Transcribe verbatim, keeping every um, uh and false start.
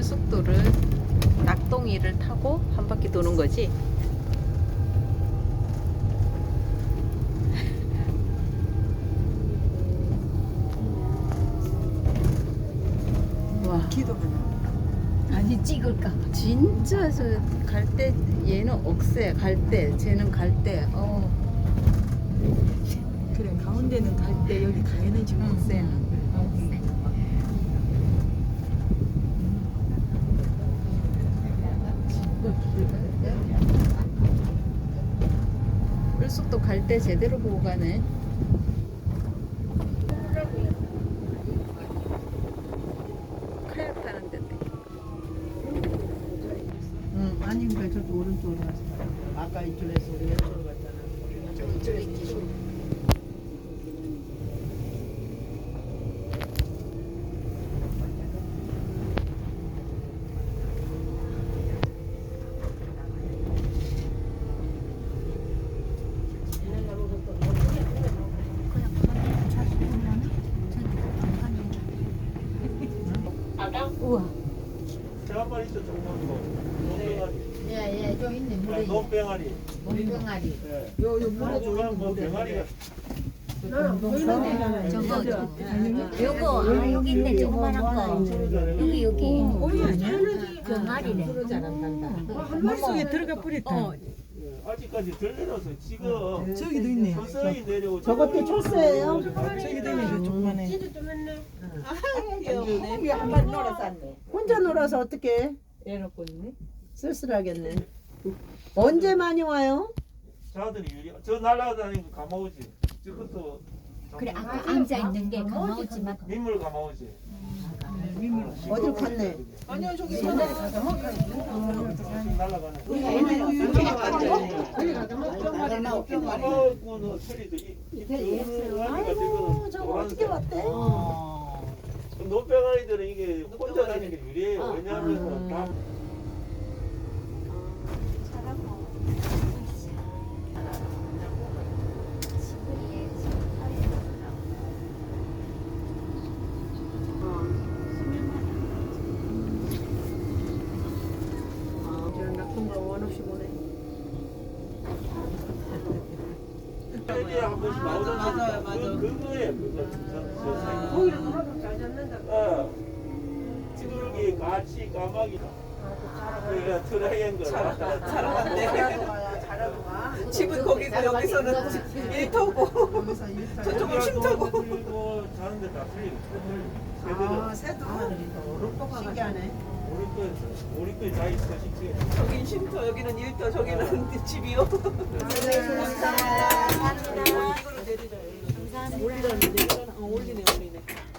을숙도를 낙동이를 타고 한 바퀴 도는 거지. 와, 기도 하나. 아니 찍을까? 진짜 저 갈 때 얘는 억새 갈 때, 쟤는 갈 때. 어. 그래 가운데는 갈 때 여기 가에는 지금 응. 없어요. 을숙도 갈 때 제대로 보고 가네. 카약 타는 데인데. 응, 아닌가 저도 오른쪽으로 갔어. 아까 이쪽에서 우리 왼쪽으로 갔잖아. 우와. 저 한 마리 있어, 조그만 거. 논병아리. 예예 좀 있네 아, 물에. 논병아리. 몸병아리. 예. 요, 요 아, 물에 중요한 뭐 병아리가. 저거 요거 아, 여기 있네 조그만한 거. 여기 여기. 오이 아니야? 병아리네. 한 마리 속에 들어가 뿌렸다. 예, 아직까지 덜 내려서 지금 저기도 있네. 서서히 내려오고. 저것도 철새예요? 저기도 있네 저 조그만해. 한 마리 놀았었네. 혼자 놀아서 어떻게? 애놓고 있네. 쓸쓸하겠네. 언제 많이 와요? 자들이 유리. 저 날아다니는 거 감아오지. 저것도. 그래 아까 앉아 있는 게 가마우지만 민물 감아오지. 어딜 갔네? 아니요 저기 저기 날아가는. 감아오고는 소리도 이. 아이고 저거 어떻게 왔대? 논병아리들은 이게 혼자 다니는 게 유리해요. 왜냐하면 다. 세계에 한 번씩 나오잖아. 맞아요, 맞아요. 그, 그거예요. 그거. 저, 저 사이. 거기를 하나도 잘 잡는다. 어. 찌르기, 가치, 까마귀다. 그러니까 트라이앵글. 잘하네. 집은 거기고 여기서는 일터고 저쪽은 쉼터고. 그리고 자는데 다 틀리고. 아, 새도 신기하네. 우리 거에 다 있어, 식지. 저긴 쉼터 여기는 일터 저기는 집이요. 감사합니다. 이거를 내리자. 올리라는데 올리네 올리네.